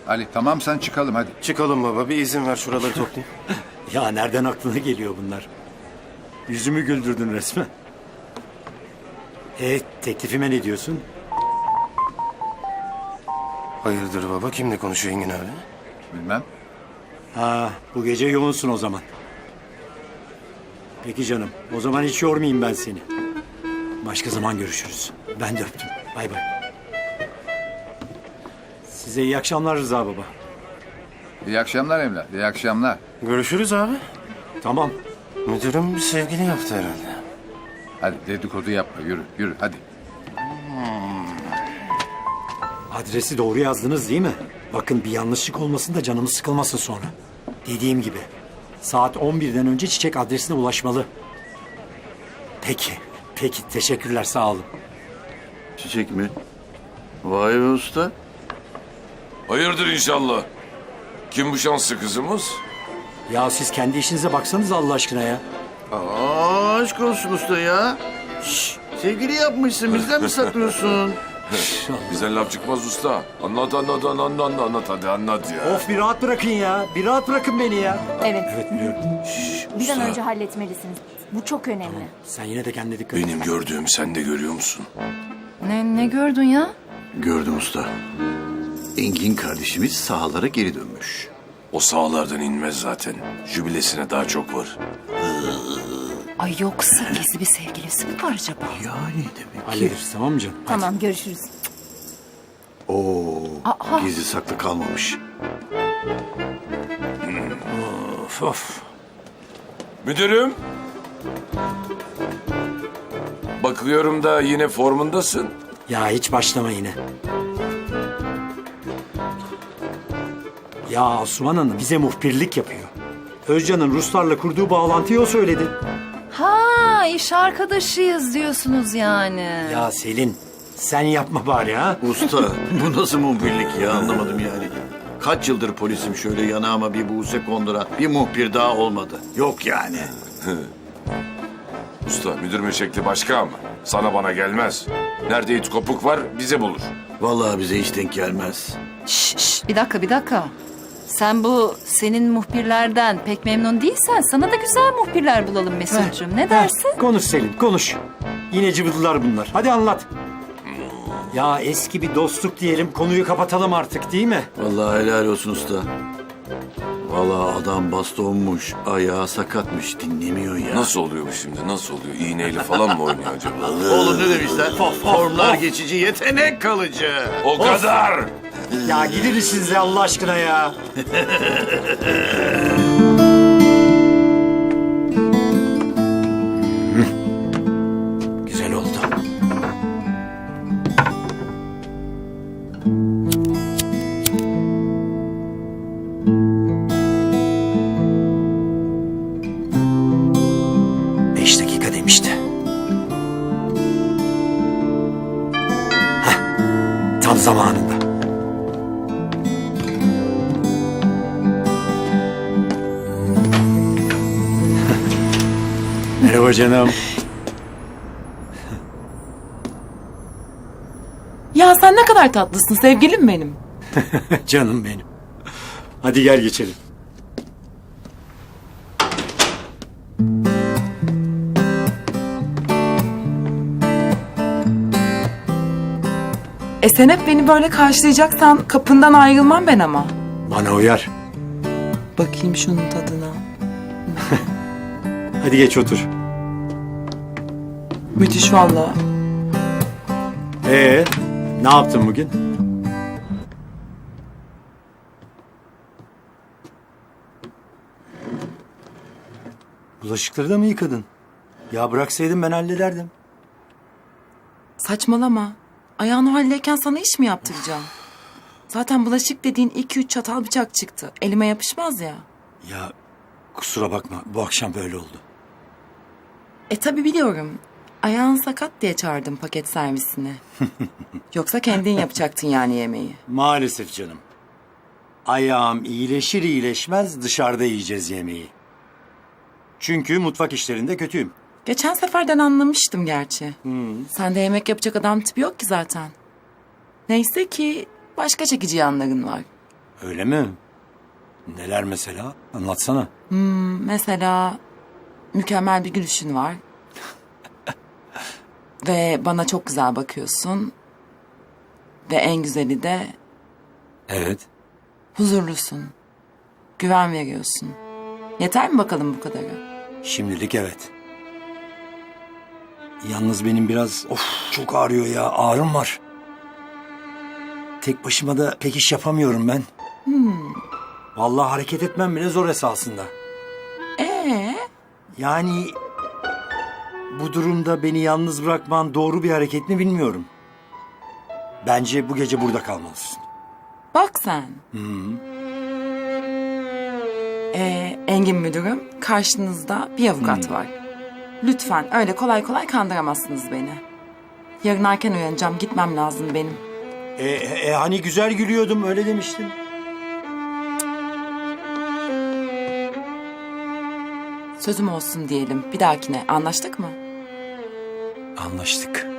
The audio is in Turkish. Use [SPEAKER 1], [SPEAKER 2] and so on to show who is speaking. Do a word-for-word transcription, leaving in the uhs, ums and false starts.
[SPEAKER 1] Ali tamam sen çıkalım hadi.
[SPEAKER 2] Çıkalım baba, bir izin ver şuraları toplayayım.
[SPEAKER 3] Ya nereden aklına geliyor bunlar? Yüzümü güldürdün resmen. E teklifime ne diyorsun?
[SPEAKER 2] Hayırdır baba, kimle konuşuyor Engin abi?
[SPEAKER 1] Bilmem.
[SPEAKER 3] Ha, bu gece yoğunsun o zaman. Peki canım, o zaman hiç yormayayım ben seni. Başka zaman görüşürüz. Ben de öptüm. Bay bay. Size iyi akşamlar Rıza baba.
[SPEAKER 1] İyi akşamlar evlat. İyi akşamlar.
[SPEAKER 2] Görüşürüz abi.
[SPEAKER 3] Tamam.
[SPEAKER 2] Müdürüm bir sevgili yaptı herhalde.
[SPEAKER 1] Hadi dedikodu yapma. Yürü yürü hadi.
[SPEAKER 3] Adresi doğru yazdınız değil mi? Bakın bir yanlışlık olmasın da canımız sıkılmasın sonra. Dediğim gibi saat on birden önce çiçek adresine ulaşmalı. Peki, peki teşekkürler sağ olun.
[SPEAKER 4] Çiçek mi? Vay be usta.
[SPEAKER 5] Hayırdır inşallah. Kim bu şanslı kızımız?
[SPEAKER 3] Ya siz kendi işinize baksanız Allah aşkına ya.
[SPEAKER 4] Aa, aşk olsun usta ya. Şş, sevgili yapmışsın, bizden mi saklıyorsun?
[SPEAKER 5] Bizden laf çıkmaz usta. Anlat anlat anlat anlat anlat hadi anlat ya.
[SPEAKER 3] Of bir rahat bırakın ya. Bir rahat bırakın beni ya.
[SPEAKER 6] Evet.
[SPEAKER 3] Evet biliyorum.
[SPEAKER 6] Bir an önce halletmelisiniz. Bu çok önemli.
[SPEAKER 3] Sen yine de kendine dikkat et.
[SPEAKER 5] Benim gördüğüm sen de görüyor musun?
[SPEAKER 7] Ne, ne gördün ya?
[SPEAKER 4] Gördüm usta. Engin kardeşimiz sahalara geri dönmüş.
[SPEAKER 5] O sahalardan inmez zaten. Jübilesine daha çok var.
[SPEAKER 7] Ay yoksa gizli bir sevgilisi mi var acaba?
[SPEAKER 4] Yani demek ki.
[SPEAKER 3] Hallederiz tamam mı canım?
[SPEAKER 6] Tamam görüşürüz.
[SPEAKER 4] Oo,
[SPEAKER 7] Aa.
[SPEAKER 4] gizli saklı kalmamış.
[SPEAKER 3] Of of.
[SPEAKER 5] Müdürüm. Bakıyorum da yine formundasın.
[SPEAKER 3] Ya hiç başlama yine. Ya Asuman Hanım bize muhbirlik yapıyor. Özcan'ın Ruslarla kurduğu bağlantıyı o söyledi.
[SPEAKER 7] Ha, iş arkadaşıyız diyorsunuz yani.
[SPEAKER 3] Ya Selin sen yapma bari ha.
[SPEAKER 4] Usta bu nasıl muhbirlik ya, anlamadım yani. Kaç yıldır polisim, şöyle yanağıma bir buğse kondura bir muhbir daha olmadı. Yok yani.
[SPEAKER 5] Usta müdürümün şekli başka ama. Sana bana gelmez. Nerede it kopuk var bize bulur.
[SPEAKER 4] Vallahi bize hiç denk gelmez.
[SPEAKER 7] Şş, şş, bir dakika bir dakika. Sen bu senin muhbirlerden pek memnun değilsen sana da güzel muhbirler bulalım Mesut'cum. Ne dersin?
[SPEAKER 3] Heh, konuş Selin konuş. Yine cıvıdılar bunlar. Hadi anlat. Ya eski bir dostluk diyelim konuyu kapatalım artık değil mi?
[SPEAKER 4] Vallahi helal olsun usta. Vallahi adam bastonmuş, ayağı sakatmış, dinlemiyor ya.
[SPEAKER 5] Nasıl oluyor bu şimdi? Nasıl oluyor? İğneyle falan mı oynuyor acaba?
[SPEAKER 4] Oğlum ne demişler? Formlar geçici, yetenek kalıcı.
[SPEAKER 5] O kadar!
[SPEAKER 3] Ya gidin siz Allah aşkına ya. Güzel oldu. Beş dakika demişti. Heh, tam zamanında. Merhaba canım.
[SPEAKER 8] Ya sen ne kadar tatlısın sevgilim benim.
[SPEAKER 3] Canım benim. Hadi gel geçelim.
[SPEAKER 8] E sen hep beni böyle karşılayacaksan kapından ayrılmam ben ama.
[SPEAKER 3] Bana uyar.
[SPEAKER 8] Bakayım şunun tadına.
[SPEAKER 3] Hadi geç otur.
[SPEAKER 8] Müthiş valla.
[SPEAKER 3] Ee, ne yaptın bugün? Bulaşıkları da mı yıkadın? Ya bıraksaydın ben hallederdim.
[SPEAKER 8] Saçmalama. Ayağın o haldeyken sana iş mi yaptıracağım? Zaten bulaşık dediğin iki üç çatal bıçak çıktı. Elime yapışmaz ya.
[SPEAKER 3] Ya kusura bakma bu akşam böyle oldu.
[SPEAKER 8] E tabi biliyorum. Ayağın sakat diye çağırdım paket servisine. Yoksa kendin yapacaktın yani yemeği.
[SPEAKER 3] Maalesef canım. Ayağım iyileşir iyileşmez dışarıda yiyeceğiz yemeği. Çünkü mutfak işlerinde kötüyüm.
[SPEAKER 8] Geçen seferden anlamıştım gerçi. Sende yemek yapacak adam tipi yok ki zaten. Neyse ki başka çekici yanların var.
[SPEAKER 3] Öyle mi? Neler mesela? Anlatsana.
[SPEAKER 8] Mesela mükemmel bir gülüşün var. Ve bana çok güzel bakıyorsun. Ve en güzeli de
[SPEAKER 3] Evet.
[SPEAKER 8] huzurlusun. Güven veriyorsun. Yeter mi bakalım bu kadarı?
[SPEAKER 3] Şimdilik evet. Yalnız benim biraz of çok ağrıyor ya. Ağrım var. Tek başıma da pek iş yapamıyorum ben. Vallahi hareket etmem bile zor esasında.
[SPEAKER 8] Ee,
[SPEAKER 3] Yani bu durumda beni yalnız bırakman doğru bir hareket mi bilmiyorum. Bence bu gece burada kalmalısın.
[SPEAKER 8] bak sen. Ee, Engin müdürüm, karşınızda bir avukat var. Lütfen öyle kolay kolay kandıramazsınız beni. Yarın erken uyanacağım, gitmem lazım benim.
[SPEAKER 3] E, e, hani güzel gülüyordum öyle demiştin.
[SPEAKER 8] Sözüm olsun diyelim. Bir dahakine anlaştık mı?
[SPEAKER 3] Anlaştık.